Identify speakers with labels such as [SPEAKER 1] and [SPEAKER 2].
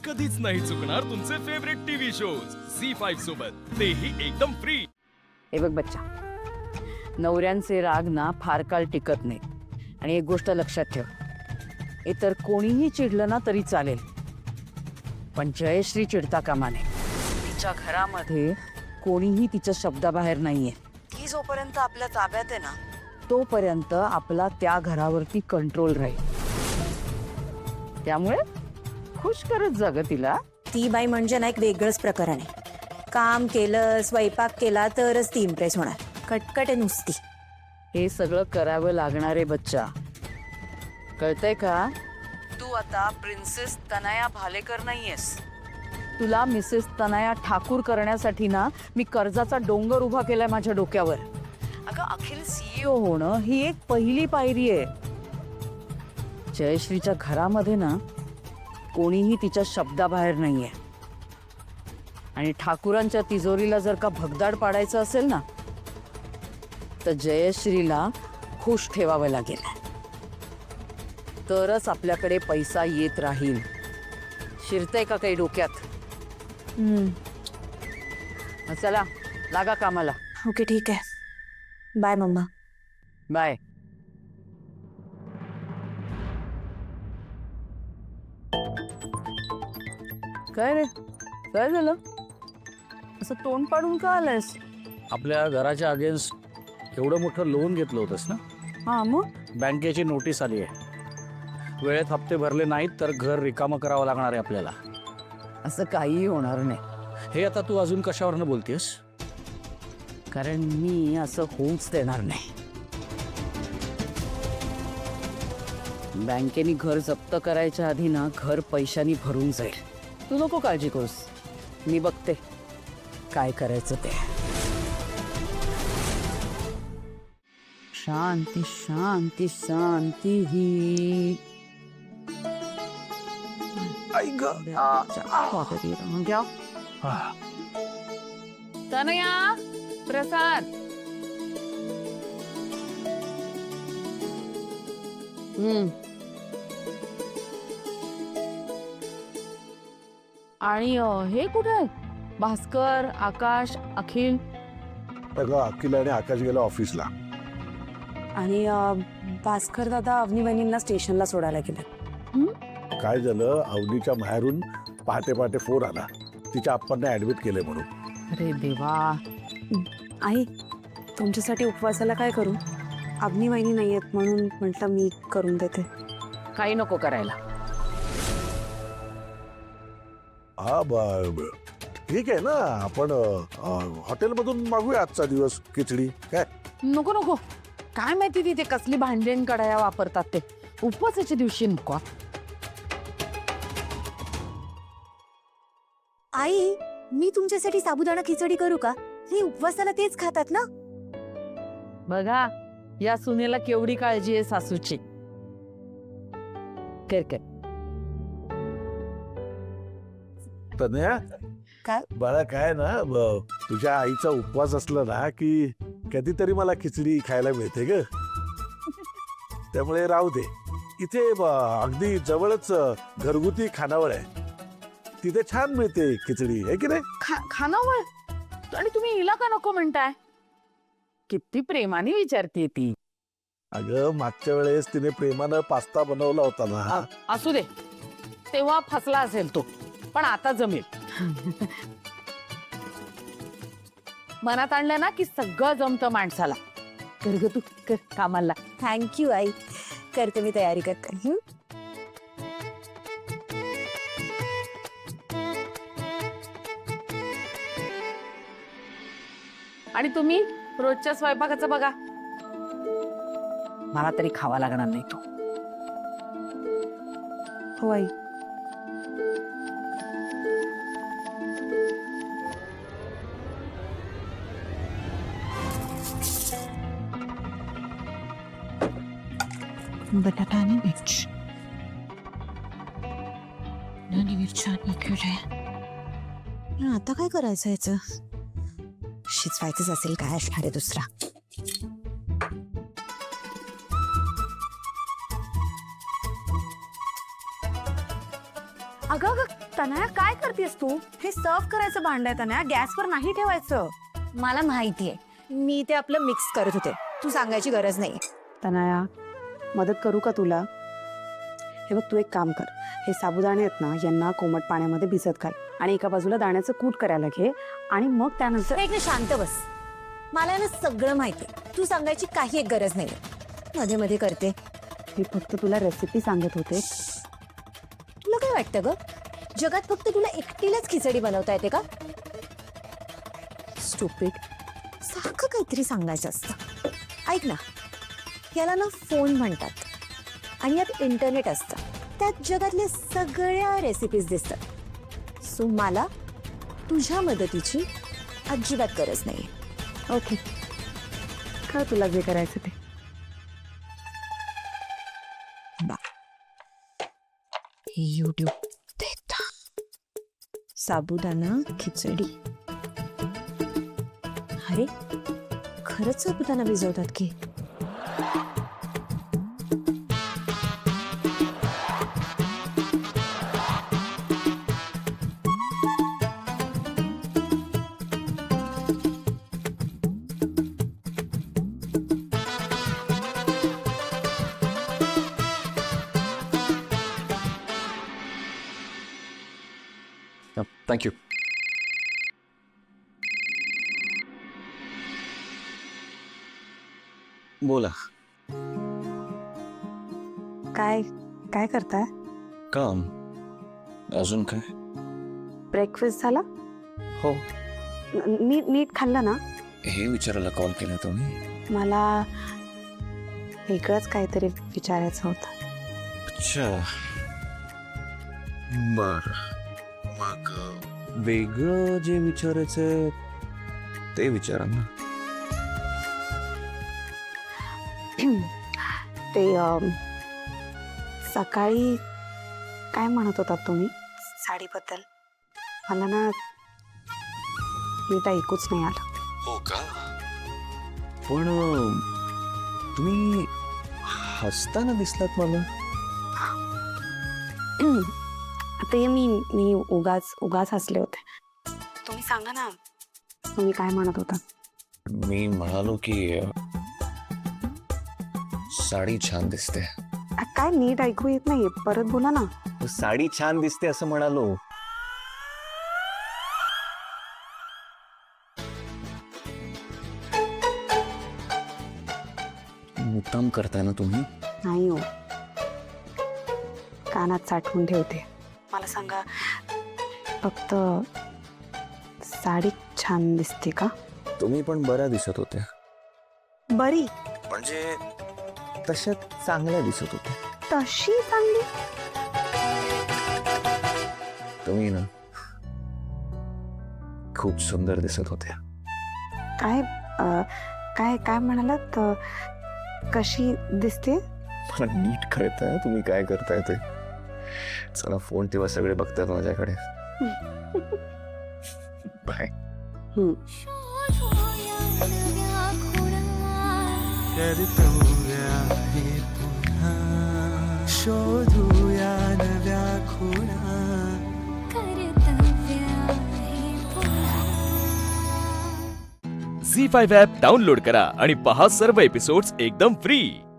[SPEAKER 1] कधीच नाही चुकणार तुमचे फेवरेट टीव्ही शोज झी5 सोबत, तेही एकदम फ्री।
[SPEAKER 2] हे बघ बच्चा, नवऱ्यांचे राग ना फार काळ टिकत नाही। आणि एक गोष्ट लक्षात ठेव, इतर कोणीही चिडलं ना तरी चालेल, पण जयश्री चिडता कामा नये। तिच्या घरामध्ये कोणीही तिच्या शब्दाबाहेर नाहीये। ती जोपर्यंत आपल्या ताब्यात आहे ना, तोपर्यंत आपला त्या घरावरती कंट्रोल राहील। त्यामुळे खुश करत जा ग तिला।
[SPEAKER 3] ती बाई म्हणजे ना एक वेगळंच प्रकरण आहे। काम केलं, स्वयंपाक केला तरच ती इम्प्रेस होणार। कटकट आहे नुसती।
[SPEAKER 2] हे सगळं करावं लागणार आहे बच्चा, कळतंय का? तू आता प्रिन्सेस तनया भालेकर नाहीयेस। तुला मिसेस तनया ठाकूर करण्यासाठी ना मी कर्जाचा डोंगर उभा केलाय माझ्या डोक्यावर। अगं, अखिल CEO होणं ही एक पहिली पायरी आहे। जयश्रीच्या घरामध्ये ना कोणीही तिच्या शब्दाबाहेर नाहीये। आणि ठाकूरांच्या तिजोरीला जर का भगदाड पाडायचं असेल ना, तर जयश्रीला खुश ठेवावं लागेल, तरच आपल्याकडे पैसा येत राहील। शिरतंय का काही डोक्यात? चला लागा कामाला।
[SPEAKER 3] ओके ठीक आहे, बाय मम्मा।
[SPEAKER 2] बाय। काय रे, काय झालं? असं तोंड पाडून का आलायस?
[SPEAKER 4] आपल्या घराच्या अगेन्स्ट एवढं मोठं लोन घेतलं होतंस ना,
[SPEAKER 2] हा मग
[SPEAKER 4] बँकेची नोटीस आली आहे। वेळेत हप्ते भरले नाहीत तर घर रिकामं करावं लागणार आहे आपल्याला।
[SPEAKER 2] असं काहीही होणार नाही,
[SPEAKER 4] हे आता तू अजून कशावरनं बोलतेस?
[SPEAKER 2] कारण मी असं होऊच देणार नाही। बँकेने घर जप्त करायच्या आधी ना घर पैशानी भरून जाईल। तू नको काळजी करूस, मी बघते काय करायचं ते। शांती शांती शांती ही तनया, प्रसाद। आणि हे कुठे आहे? भास्कर, आकाश, अखिल?
[SPEAKER 5] अगं, अखिल आणि आकाश गेला ऑफिसला।
[SPEAKER 3] आणि भास्कर दादा अवनी बहिणींना स्टेशनला सोडायला गेले।
[SPEAKER 5] काय झालं, अवनीच्या माहेरून पहाटे पहाटे फोन आला, तिच्या आप्पांना ऍडमिट केले म्हणून।
[SPEAKER 2] अरे देवा।
[SPEAKER 3] आई, तुमच्यासाठी उपवासाला काय करू? अवनी बहिणी नाही आहेत म्हणून म्हटलं मी करून देते।
[SPEAKER 2] काही नको करायला।
[SPEAKER 5] हा ठीक आहे ना, आपण हॉटेलमधून मागूया आजचा दिवस खिचडी। काय
[SPEAKER 2] नको नको, काय माहिती तिथे कसली भांडेन कढाया वापरतात ते। उपवासाच्या दिवशी नको।
[SPEAKER 3] आई, मी तुमच्यासाठी साबुदाणा खिचडी करू का? हे उपवासाला तेच खातात ना।
[SPEAKER 2] बघा, या सुनेला केवढी काळजी आहे सासूची। कर कर।
[SPEAKER 5] तनया,
[SPEAKER 3] काय?
[SPEAKER 5] बाळा, काय ना, तुझ्या आईचा उपवास असला ना की कधीतरी मला खिचडी खायला मिळते ग। त्यामुळे राहू दे, इथे अगदी जवळच घरगुती खानावळ आहे, तिथे छान मिळते खिचडी, आहे की नाही?
[SPEAKER 2] खानावळ? आणि तुम्ही हिला का नको म्हणताय? किती प्रेमाने विचारते ती।
[SPEAKER 5] अगं, मागच्या वेळेस तिने प्रेमानं पास्ता बनवला होता ना।
[SPEAKER 2] असू दे, तेव्हा फसला असेल तो, पण आता जमेल। मनात आणलं ना की सगळं जमतं माणसाला। कर ग तू, कर कामाला।
[SPEAKER 3] थँक्यू आई, करते मी तयारी करते।
[SPEAKER 2] आणि तुम्ही रोजच्या स्वयंपाकाचं बघा, मला तरी खावा लागणार नाही तो।
[SPEAKER 3] हो आई। बटाटा आणि मिरची आणि मिरच्या आता काय करायचं याचं? शिजवायचंच असेल, काय असणार आहे दुसरा?
[SPEAKER 2] अगं
[SPEAKER 3] तनया काय करतेस तू? हे सर्व करायचं भांड आहे तनया, गॅसवर नाही ठेवायचं.
[SPEAKER 6] मला माहितीये, मी ते आपलं मिक्स करत होते, तू सांगायची गरज नाही.
[SPEAKER 3] तनया, मदत करू का तुला? हे बघ, तू एक काम कर. हे साबुदाणे आहेत ना, यांना कोमट पाण्यामध्ये भिजत घाल आणि एका बाजूला दाण्याचं कूट करायला घे आणि मग त्यानंतर
[SPEAKER 6] एक शांत बस. मला ना सगळं माहितीये, तू सांगायची काही एक गरज नाही. मध्ये मध्ये करते.
[SPEAKER 3] मी फक्त तुला रेसिपी सांगत होते.
[SPEAKER 6] तुला काय वाटतं ग, जगात फक्त तुला एकटीलाच खिचडी बनवता येते का? स्टुपिड, सारखं काहीतरी सांगायचं असतं. ऐक ना, याला ना फोन म्हणतात आणि यात इंटरनेट असतं, त्यात जगातल्या सगळ्या रेसिपीज दिसतात. सो मला तुझ्या मदतीची अजिबात गरज नाही.
[SPEAKER 3] ओके, कर तुला जे करायचं ते.
[SPEAKER 6] यूट्यूब देखता साबुदाणा खिचडी. अरे खरंच साबुदाणा भिजवतात की?
[SPEAKER 7] थँक्यू. बोला.
[SPEAKER 3] काय काय करताय?
[SPEAKER 7] काम. अजून काय?
[SPEAKER 3] ब्रेकफास्ट झाला?
[SPEAKER 7] हो.
[SPEAKER 3] नीट खाल्लं ना?
[SPEAKER 7] हे विचारायला कॉल केला तुम्ही?
[SPEAKER 3] मला वेगळंच काहीतरी विचारायचं होतं.
[SPEAKER 7] अच्छा, बर. मग वेगळं जे विचारायचं ते विचारा ना.
[SPEAKER 3] ते सकाळी काय म्हणत होतात तुम्ही साडीबद्दल? मला ना नीट ऐकूच नाही आलं.
[SPEAKER 7] हो का? पण तुम्ही हसताना दिसलात मला.
[SPEAKER 3] ते मी उगाच हसले होते. तुम्ही सांगा ना, तुम्ही काय म्हणत होता?
[SPEAKER 7] मी म्हणालो की साडी छान दिसते.
[SPEAKER 3] काय नीट ऐकू येत नाही, परत बोला ना.
[SPEAKER 7] साडी छान दिसते असं म्हणालो. मुद्दाम करताय ना तुम्ही?
[SPEAKER 3] नाही हो, कानात साठवून ठेवते. मला सांगा, फक्त साडी छान दिसते का?
[SPEAKER 7] तुम्ही पण बऱ्या दिसत होत्या.
[SPEAKER 3] बरी
[SPEAKER 7] म्हणजे तशा चांगल्या दिसत होत्या.
[SPEAKER 3] तशी चांगली?
[SPEAKER 7] तुम्ही ना खूप सुंदर दिसत होत्या.
[SPEAKER 3] काय काय काय म्हणालात? कशी दिसते?
[SPEAKER 7] मला नीट कळतंय तुम्ही काय करताय ते. चला फोन तेव्हा सगळे बघतात माझ्याकडे. बाय.
[SPEAKER 8] शोधूया नव्या खुणा.
[SPEAKER 1] झी 5 ॲप डाउनलोड करा आणि पहा सर्व एपिसोड्स एकदम फ्री.